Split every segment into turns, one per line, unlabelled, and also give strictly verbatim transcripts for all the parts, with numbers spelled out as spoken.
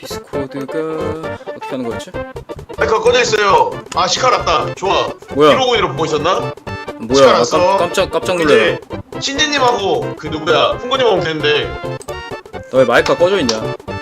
디스코드가 어떻게 하는 거였지?
마이크가 꺼져 있어요. 아 시카 났다. 좋아.
뭐야?
일오공일로 보고 있었나?
뭐야?
시간
아,
났어.
깜, 깜짝 깜짝 놀래.
이제 신진님하고 그 누구야 풍고님하고 오면 되는데.
너 왜 마이크가 꺼져 있냐?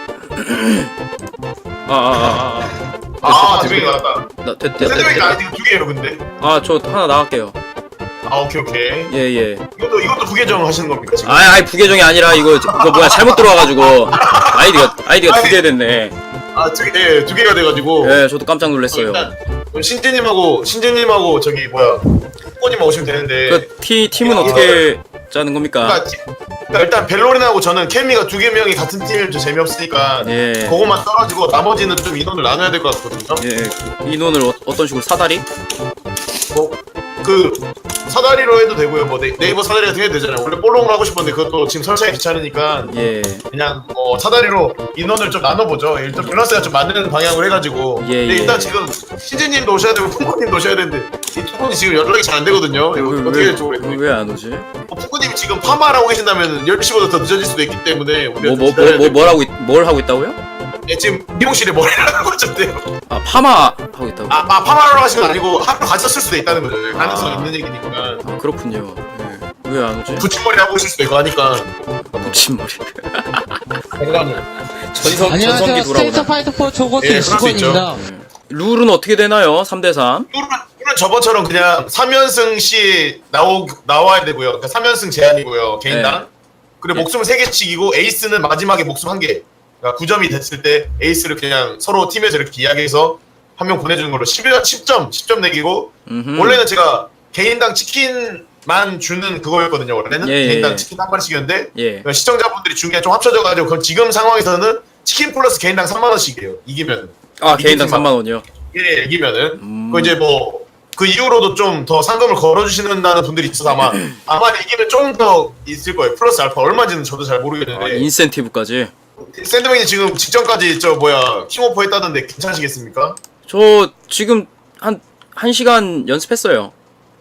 아아아 아.
아 두명이 나왔다.
나 됐, 됐,
샌드백이
됐,
아직 두 개예요 근데.
아저 하나 나갈게요.
아 오케이 오케이.
예예.
이것도 이것도 부계정 하시는 겁니까 지금?
아이 아이 부계정이 아니라 이거 이거 뭐야 잘못 들어와가지고 아이디가 아이디가 두 개 됐네.
아두개두 개가 돼가지고.
예 저도 깜짝 놀랐어요.
일단 그럼 신진님하고 신진님하고 저기 뭐야 풍고님만 오시면 되는데.
그 티 팀은 어떻게 짜는 겁니까?
그러니까, 티- 그러니까 일단 벨로린하고 저는 케미가 두 개 명이 같은 팀이면 좀 재미없으니까
예.
그것만 떨어지고 나머지는 좀 인원을 나눠야 될 것 같거든요.
예 인원을 어, 어떤 식으로 사다리?
뭐 그 사다리로 해도 되고요. 뭐 네, 네이버 사다리 같은 게 해도 되잖아요. 원래 볼롱을 하고 싶었는데 그것도 지금 설치하기 귀찮으니까
예.
그냥 뭐 사다리로 인원을 좀 나눠보죠. 일단 밸런스가 좀 맞는 방향으로 해가지고.
예,
근데
예.
일단 지금 신진님도 오셔야 되고 풍구님도 오셔야 되는데 이 두 분이 지금 연락이 잘 안 되거든요. 이거 어떻게 될지 모르겠어요.
왜 안 오지?
뭐 풍구님이 지금 파마를 하고 계신다면 열 시보다 더 늦어질 수도 있기 때문에 우리가
뭐 뭐
좀
뭐
기다려야
뭐
될
뭘 하고 있, 뭘 하고 있다고요?
예, 지금 미용실에 머리를 하고 있었대요.
아 파마 하고 있다고?
아, 아 파마를 하신 건 아니고 하루 가셨을 수도 있다는 거죠. 가능성
아.
있는 얘기니까.
아, 그렇군요. 예. 왜 안 오지?
붙임머리 하고 있을 수도 있고 하니까.
붙임머리.
건강을.
전성 전성기
안녕하세요. 스테이트
돌아오나.
파이터 조고
예, 그럴 수
이십원입니다.
예. 룰은 어떻게 되나요? 삼 대 삼.
룰은, 룰은 저번처럼 그냥 삼 연승 시 나오, 나와야 되고요. 그러니까 삼 연승 제한이고요. 개인당.
네.
그리고
예.
목숨 세 개씩이고 에이스는 마지막에 목숨 한 개. 그러니까 구 점이 됐을 때 에이스를 그냥 서로 팀에서 이렇게 이야기해서 한 명 보내주는 걸로 십 점, 십 점 내기고
음흠.
원래는 제가 개인당 치킨만 주는 그거였거든요. 원래는
예, 예,
개인당
예.
치킨 한 마리씩이었는데
예.
그러니까 시청자분들이 준 게 좀 합쳐져가지고 그럼 지금 상황에서는 치킨 플러스 개인당 삼만 원씩이에요. 이기면.
아 개인당 삼만 원이요.
예, 이기면은.
음.
그 이제 뭐 그 이후로도 좀 더 상금을 걸어주시는다는 분들이 있어서 아마 아마 이기면 좀 더 있을 거예요. 플러스 알파 얼마인지는 저도 잘
아,
모르겠는데.
인센티브까지.
샌드맨이 지금 직전까지 저 뭐야 킹오프 했다던데 괜찮으시겠습니까?
저 지금 한 한 시간 연습했어요.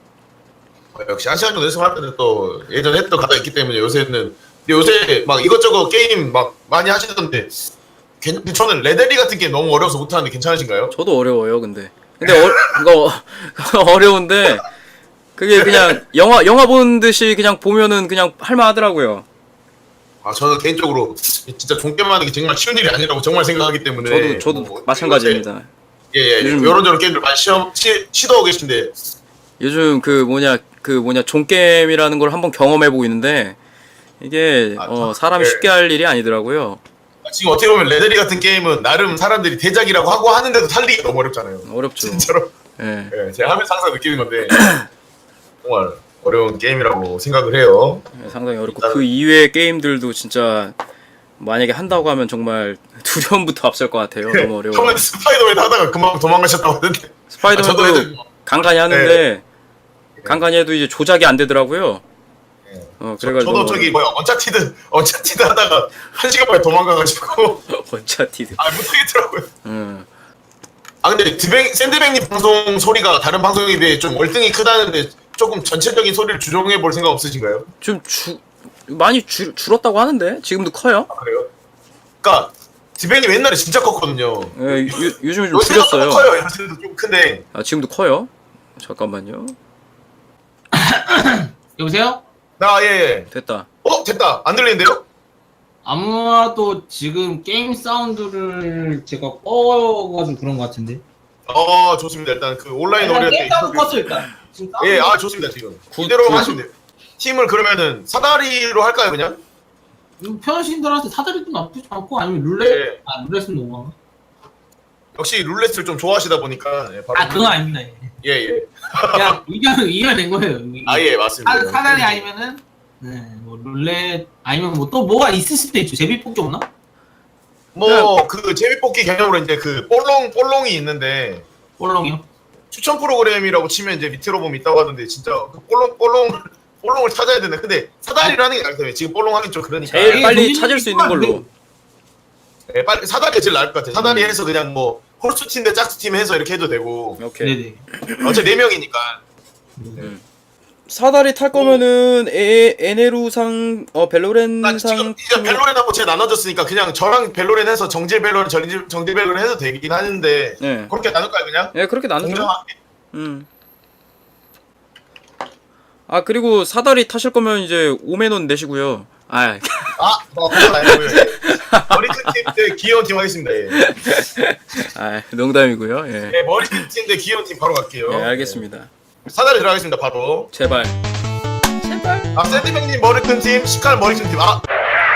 어, 역시 한 시간 정도 연습할 때는 또 예전에 했던 가다 있기 때문에 요새는 근데 요새 막 이것저것 게임 막 많이 하시던데 괜- 저는 레데리 같은 게 너무 어려워서 못하는데 괜찮으신가요?
저도 어려워요, 근데. 근데 어, 이거 어려운데 그게 그냥 영화 영화 보는 듯이 그냥 보면은 그냥 할만하더라고요.
아 저는 개인적으로 진짜 종게임 하는 게 정말 쉬운 일이 아니라고 정말 생각하기 때문에
저도 저도
뭐,
마찬가지입니다.
예예
요즘-
요런저런 게임들 많이 시험 시, 시도하고 계신데
요즘 그 뭐냐 그 뭐냐 종게임이라는 걸 한번 경험해 보고 있는데 이게
아,
어,
저-
사람이
예.
쉽게 할 일이 아니더라고요.
지금 어떻게 보면 레데리 같은 게임은 나름 사람들이 대작이라고 하고 하는데도 살리기 너무 어렵잖아요.
어렵죠.
진짜로.
예.
예, 제가 하면서 항상 느끼는 건데 정말 어려운 게임이라고 생각을 해요.
예, 상당히 어렵고
일단은-
그 이외의 게임들도 진짜 만약에 한다고 하면 정말 두려움부터 앞설 것 같아요. 너무 어려워.
처음에 스파이더맨 하다가 금방 도망가셨다고 하던데.
스파이더맨도
아, 저도 애들-
간간히 하는데 간간히 해도 이제 조작이 안 되더라고요.
예.
어
저,
그래가지고
저도 저기 뭐야 언차티드 언차티드 하다가 한 시간 만에 도망가가지고
원차티드.
아 못하겠더라고요.
음.
아 근데 드뱅 샌드뱅님 방송 소리가 다른 방송에 비해 좀 월등히 크다는데 조금 전체적인 소리를 조정해 볼 생각 없으신가요?
좀 주, 많이 줄, 줄었다고 하는데 지금도 커요.
아 그래요? 그니까 드뱅님 옛날에 진짜 컸거든요.
예, 요, 요즘에 좀
요새도
줄였어요.
커요. 요새도 좀 큰데.
아 지금도 커요. 잠깐만요.
여보세요?
나 예.
됐다.
어 됐다. 안 들리는데요?
아마도 지금 게임 사운드를 제가 꺼가지고 그런 것 같은데.
어 좋습니다. 일단 그 온라인
일단
어릴 때
게임 사운드 껐어 일단. 지금 사운드
예, 아 좋습니다 지금.
굿,
이대로
굿.
하시면 돼요. 팀을 그러면은 사다리로 할까요 그냥?
이거 편하신 분한테 사다리도 나쁘지 않고 아니면 룰렛?
예.
아 룰렛은 너무.
역시 룰렛을 좀 좋아하시다 보니까 예, 바로
아 그건 아닙니다.
예 예.
그냥 의견 이겨낸 거예요.
아 예 맞습니다.
사, 사다리 아니면은 네뭐 룰렛 아니면 뭐 또 뭐가 있을 수도 있죠. 제비뽑기 없나?
뭐그 제비뽑기 개념으로 이제 그 볼롱 볼롱이 있는데
볼롱이요?
추천 프로그램이라고 치면 이제 밑으로 보면 있다고 하던데 진짜 그 볼롱 볼롱 볼롱을 찾아야 되네. 근데 사다리를 하는 게 나을 텐데 지금 볼롱 하긴 좀 그러니까.
제일
예,
빨리
동민이
찾을 수 있는 걸로.
예, 빨리 사다리가 제일 나을 것 같아. 사다리 해서 그냥 뭐 홀수팀 대 짝수팀 해서 이렇게 해도 되고
오케이.
네네.
어차피 네 명이니까.
음. 사다리 탈 거면은 에 에네루상 어
나 지금
벨로렌상
이제 벨로렌하고 제 나눠졌으니까 그냥 저랑 벨로렌 해서 정질 벨로렌 정질 정질 벨로렌 해도 되긴 하는데
네.
그렇게 나눌까요 그냥?
예 그렇게 나누죠.
공정하게.
음. 아 그리고 사다리 타실 거면 이제 오만 원 내시고요. 아
아, 뭐 그건 아니고요. 머리큰 팀대 귀여운 팀 하겠습니다. 예.
아, 농담이고요. 예.
네, 머리큰 팀대 귀여운 팀 바로 갈게요.
예, 알겠습니다.
네. 사다리 들어가겠습니다. 바로.
제발.
아, 샌드백님 머리큰 팀, 시칼 머리큰 팀. 아,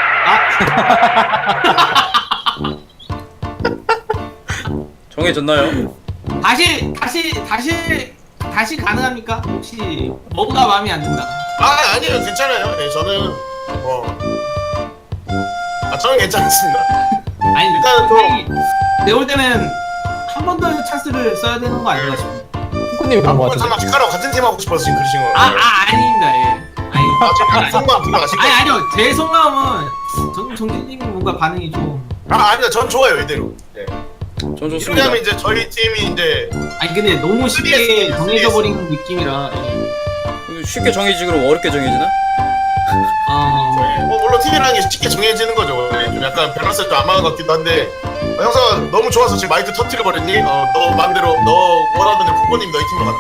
정해졌나요?
다시 다시 다시 다시 가능합니까? 혹시 뭐가 마음에 안 든다.
아 아니에요. 괜찮아요. 네, 저는 뭐, 아 저는 괜찮습니다.
아니
일단은 또-
내가 볼 때는 한 번 더 찬스를 써야 되는 거 아닌가 싶어.
후쿠님이 그런 거
아,
같은데.
잠깐 시칼하고 같은 팀 하고 싶어서 지금 그러신 거예요.
아, 아 아닙니다. 예. 아니,
아, 지금 속마음 들어가신
아니
거예요?
아니요. 제 속마음은 정 정진님이 뭔가 반응이 좀.
아 아니다. 전 좋아요 이대로. 네.
전 좋습니다.
왜냐면 이제 저희 팀이 이제
아니 근데 너무 쉽게
쓰리에스.
정해져 버린 느낌이라. 예.
쉽게 정해지지 그럼 어렵게 정해지나?
어.
뭐 물론 팀이라는 게 쉽게 정해지는 거죠. 네, 좀 약간 밸런스가 좀 안 맞은 것 같기도 한데 어, 형사가 너무 좋아서 지금 마이크 터트려 버렸니? 어, 너 마음대로 너 뭐라든지 푸꼬님 너희 팀으로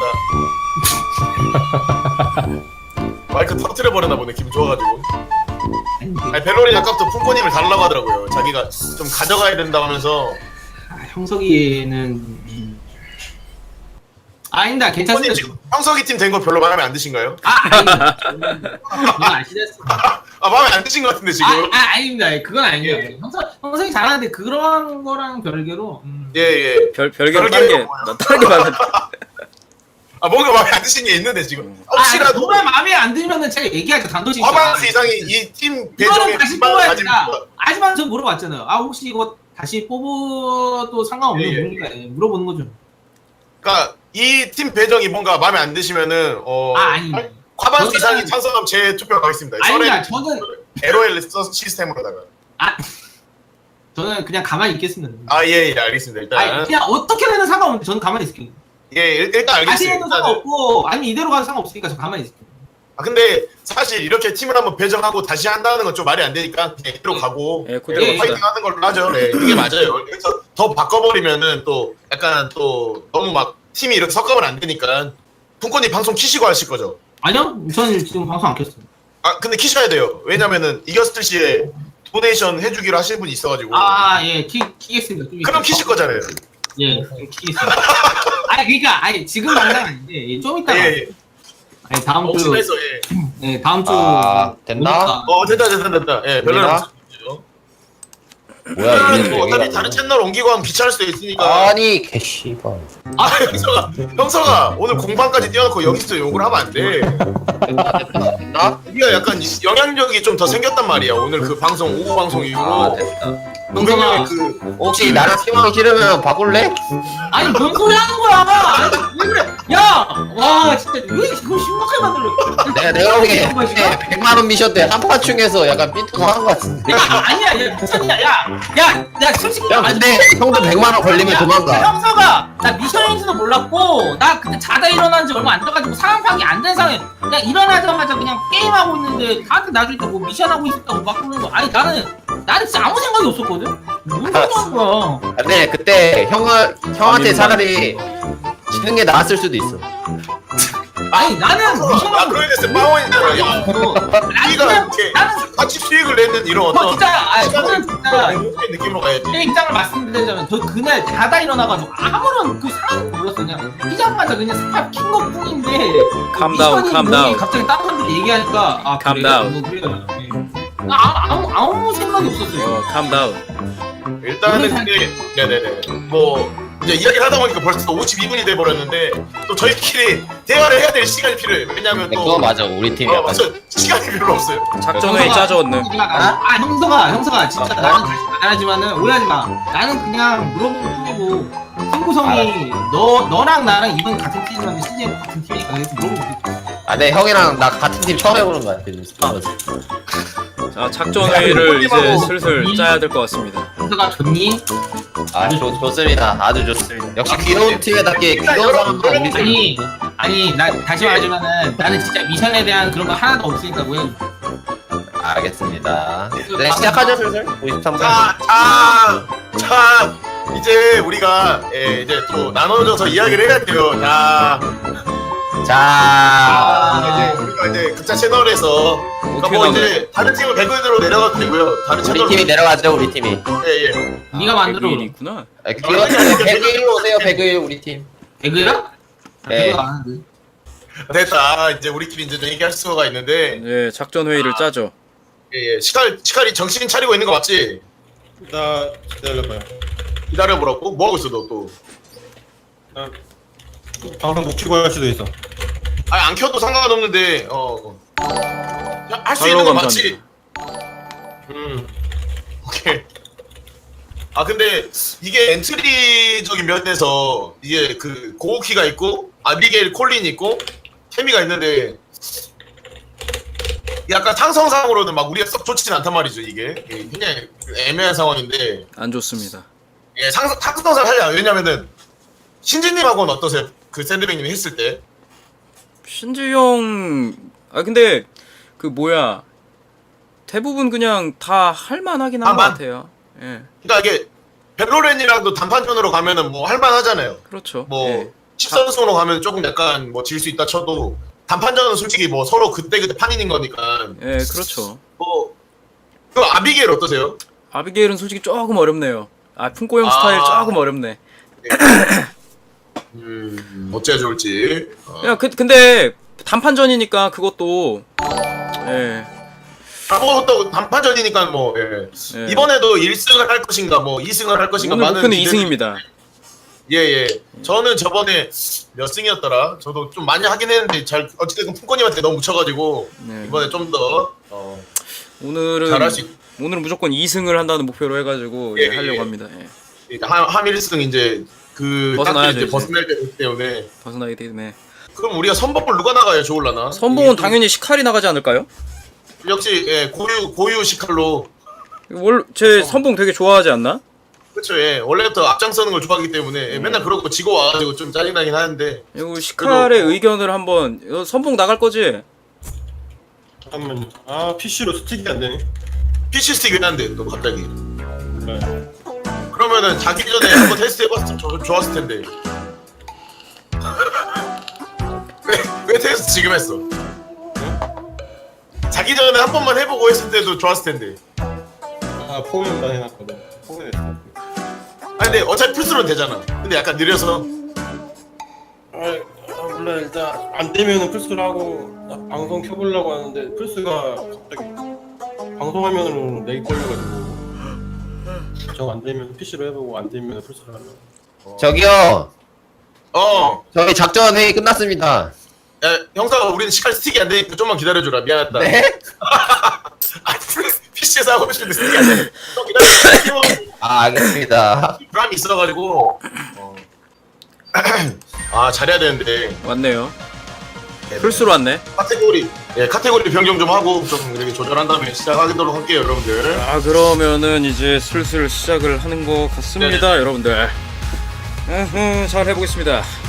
갔다. 마이크 터트려 버렸나 보네. 기분 좋아가지고.
아니, 그-
아니 벨로리 아까부터 푸꼬님을 달라고 하더라고요. 자기가 좀 가져가야 된다 하면서.
아, 형석이는 음. 아닙니다.
푸꼬님
괜찮습니다.
지금 형석이 팀 된 거 별로 마음에 안 드신가요?
아, 아닙니다. 저는 아시다시피.
아 마음에 안 드신 것 같은데 지금.
아, 아, 아닙니다. 그건 아니에요. 형석, 형석이 잘하는데 그런 거랑 별개로. 음.
예 예.
별 별개로
별개로
다른 게
뭐야?
나 다른 게 많아.
아 뭔가 마음에 안 드신 게 있는데 지금.
아,
혹시라도
정말 마음에 안 들면은 제가 얘기하죠. 단도직입.
과반수 이상이 이 팀 배정에
이거는 다시
기반을
뽑아야
가진
된다.
분과-
하지만 저 물어봤잖아요. 아 혹시 이거 다시 뽑아도 상관없는
예, 예.
겁니까? 예, 물어보는 거죠.
그러니까 이 팀 배정이 뭔가 마음에 안 드시면은 어
아 아니.
과반수
저는-
이상이 찬성하면 제 투표 가겠습니다.
아닙니다. 저는
엘오엘 시스템으로다가.
아 저는 그냥 가만히 있겠습니다.
아예예 알겠습니다.
아니
일단
그냥 어떻게 되는 상관없는데 저는 가만히 있을게요.
예 일- 일단
다시
알겠습니다.
해도
일단은.
상관없고 아니면 이대로 가도 상관없으니까 저 가만히 있을게요.
아 근데 사실 이렇게 팀을 한번 배정하고 다시 한다는 건 좀 말이 안 되니까 그냥 이대로 가고
예, 그대로
이대로
갑시다.
파이팅하는 걸로 하죠. 네 이게 맞아요. 그래서 더 바꿔버리면은 또 약간 또 너무 막 팀이 이렇게 섞으면 안 되니까. fun코님 방송 키시고 하실 거죠?
아니요, 저는 지금 방송 안 켰어요.
아 근데 키셔야 돼요. 왜냐면은 이겼을 시에 도네이션 해주기로 하실 분이 있어가지고.
아 예, 키 키겠습니다. 좀
그럼
이따.
키실 거잖아요.
예, 좀 키겠습니다. 아니 그러니까 아니 지금 당장 아닌데 예, 좀 이따가.
예, 예.
아니 다음 주.
혹시나 해서 예.
네, 다음 주.
아, 됐나?
보니까-
어 됐다 됐다 됐다. 예, 별로
됐나?
없죠.
뭐야
뭐
이게
어차피
얘기가
다른 채널 옮기고 하면 귀찮을 수도 있으니까.
아니 개씨발.
아 형서가 형서가 오늘 공방까지 뛰어놓고 여기서 욕을 하면 안 돼.
됐나 됐나 됐나?
우리가 약간 영향력이 좀 더 생겼단 말이야. 오늘 그 방송 오후 방송
아
이후로.
됐다.
동생님의 그
혹시 나랑 팀하기 싫으면 바꿀래?
아니 뭔 소리 하는 거야? 아니, 왜 그래? 야, 와 진짜 왜 이거 심각하게 만들어?
내가 내가 보기에
이런 거 싫어?
백만 원 미션 때 한파충에서 약간 삐뚤어한 것 같은데.
야, 아니야, 야, 미쳤냐? 야, 야, 야, 솔직히.
야 근데 형도 백만 원 걸리면 도망가.
형사가 나 미션인지도 몰랐고 나 그때 자다 일어난 지 얼마 안 돼가지고 상황 파악이 안 된 상황에 그냥 일어나자마자 그냥 게임하고 있는데 다들 나중에 뭐 미션하고 있었다고 막 그러는 거. 아니 나는 나는 진짜 아무 생각이 없었거든. 뭔 소리 하는 거야?
근데 그때 형을 형한테 차라리 지는 게 나았을 수도 있어.
아니 나는
아
미션하고.
그러게 됐어. 빵원이잖아. 야 우리가 이렇게
나는
같이 수익을 내는 이런
저
어떤
진짜 아니
시간을
저는 진짜
행복한 느낌으로 가야지.
제 입장을 말씀드리자면 저 그날 자다 일어나가지고 아무런 그 상황도 몰랐어. 그냥 피자마자 그냥 스탑 킨 것뿐인데
Calm down,
미션이
calm
뭐니
down.
갑자기 다른 사람들이 얘기하니까 아
Calm
그래?
down.
뭐 그래요. 예. 아, 아무 아무 생각이 없었어요.
어, calm down.
일단은 근데 네네네 뭐 이제 이야기를 하다 보니까 벌써 오십이 분이 돼 버렸는데 또 저희끼리 대화를 해야 될 시간이 필요해. 왜냐면
근데
또
그거 맞아 우리 팀
어,
약간.
맞아 시간이 별로 없어요.
작전회의 짜져 얻는.
아, 아 형서가 형서가 진짜 나는 다시 말하지만은 오해하지 마. 나는 그냥 물어보는 뿐이고 친구성이 너 너랑 나랑 이번 같은 팀이면 시즌 같은 팀이니까 그래서 물어보고.
아, 네 형이랑 나 같은 팀 처음 해보는 거야. 그래서.
자 작전 회의를 이제 슬슬 짜야 될 것 같습니다.
가 좋니?
아 좋, 좋습니다. 아주 좋습니다. 역시 귀여운 팀에답게 귀여운 사람만 우리 팀.
아니 아니 나 다시 말하지만은 나는 진짜 미션에 대한 그런 거 하나도 없으니까 왜
알겠습니다. 네 시작하죠 슬슬. 오십삼 분.
자, 자, 자, 이제 우리가 예, 이제 또 나눠져서 이야기를 해야 돼요. 자,
자
이제 우리가 이제 각자 채널에서 그러니까 뭐
어떻게
이제 다른 팀은 배그인으로 내려가도 되고요. 다른
우리
채널
팀이 내려가죠 우리 팀이.
예, 예.
네가 만들어.
일이 있구나.
아, 귀여운 팀 배그일로 오세요 배그일 우리 팀.
배그야?
네.
배그가 안 하는데.
됐다. 이제 우리끼리 이제 좀 얘기할 수가 있는데
예 작전 회의를 짜죠.
예, 예. 시칼 시칼이 정신 차리고 있는 거 맞지?
나 기다려봐요.
기다려보라고? 뭐 하고 있어 너 또?
나 방송 못 키고 할 수도 있어.
아니 안 켜도 상관없는데 어. 할 수
팔로우
있는 거
감사합니다.
맞지? 음. 오케이. 아 근데 이게 엔트리적인 면에서 이게 그 고우키가 있고 아비게일 콜린 있고 케미가 있는데 약간 상성상으로는 막 우리가 썩 좋지는 않단 말이죠 이게 이게 굉장히 애매한 상황인데
안 좋습니다.
예 상 상성상 하려 왜냐면은 신지님하고는 어떠세요? 그 샌드백님이 했을 때
신지영 아 근데 그 뭐야 대부분 그냥 다 할만하긴 한 것
할만?
같아요. 예
그러니까 이게 벨로렌이랑도 단판전으로 가면은 뭐 할만하잖아요.
그렇죠.
뭐
예.
십선승으로 가면 조금 약간 뭐 질 수 있다 쳐도 단판전은 솔직히 뭐 서로 그때 그때 판인인 거니까
예 그렇죠.
뭐 그 아비게일 어떠세요?
아비게일은 솔직히 조금 어렵네요. 아 풍고형
아.
스타일 조금 어렵네.
음 어째야 좋을지. 어.
야 그, 근데 단판전이니까 그것도 예,
아무것도 단판전이니까 뭐 예.
예.
이번에도 일 승을 할 것인가 뭐 이 승을 할 것인가
오늘
많은
목표는
기대들이-
이 승입니다.
예예. 저는 저번에 몇 승이었더라. 저도 좀 많이 하긴 했는데 잘 어쨌든 풍권님한테 너무 묻혀가지고
네.
이번에 좀 더 어,
오늘은
잘할 수 있.
오늘은 무조건 이 승을 한다는 목표로 해가지고
예,
예, 하려고
예.
합니다. 예.
한, 한 일 승 이제 그
벗어나야죠,
딱 이제
이제.
벗어날 때기 때문에
벗어나게 되네.
그럼 우리가 선봉을 누가 나가야 좋을라나?
선봉은
이게 좀-
당연히 시칼이 나가지 않을까요?
역시 예, 고유 고유 시칼로
월, 제 선봉 되게 좋아하지 않나?
그렇죠. 예. 원래부터 앞장서는 걸 좋아하기 때문에 예, 맨날 그러고 지고 와가지고 좀 짜증나긴 하는데
이거 시칼의 의견을 한번 이거 선봉 나갈 거지?
잠깐만. 아 피씨로 스틱이 안 되네.
피씨 스틱이긴 한데 또 갑자기
그래.
그러면은 자기 전에 한번 테스트 해봤으면 좋- 좋았을 텐데 왜, 왜 테스트 지금 했어? 자기 전에 한 번만 해보고 했을 때도 좋았을 텐데
아 포면만 해놨거든. 포면했어.
아니 근데 어차피 풀스로는 되잖아. 근데 약간 느려서
아, 아 몰라 일단 안 되면은 플스를 하고 나 방송 켜보려고 하는데 플스가 갑자기 방송화면으로 렉이 걸려가지고 저 안 되면 피씨로 해보고 안 되면 플스로 하려고.
저기요
어
저희 작전 회의 끝났습니다.
야, 형사가 우리는 시칼 스틱이 안 되니까 좀만 기다려줘라. 미안하다.
네?
아, 피씨에서 하고 싶은데 스틱이 안 돼. 좀 기다려.
아 알겠습니다.
불안이 있어가지고. 어. 아, 잘해야 되는데.
왔네요. 풀스로 왔네.
카테고리, 예, 카테고리 변경 좀 하고 좀 이렇게 조절한 다음에 시작하도록 할게요, 여러분들.
아 그러면은 이제 슬슬 시작을 하는 것 같습니다, 여러분들. 으흠, 잘 해보겠습니다.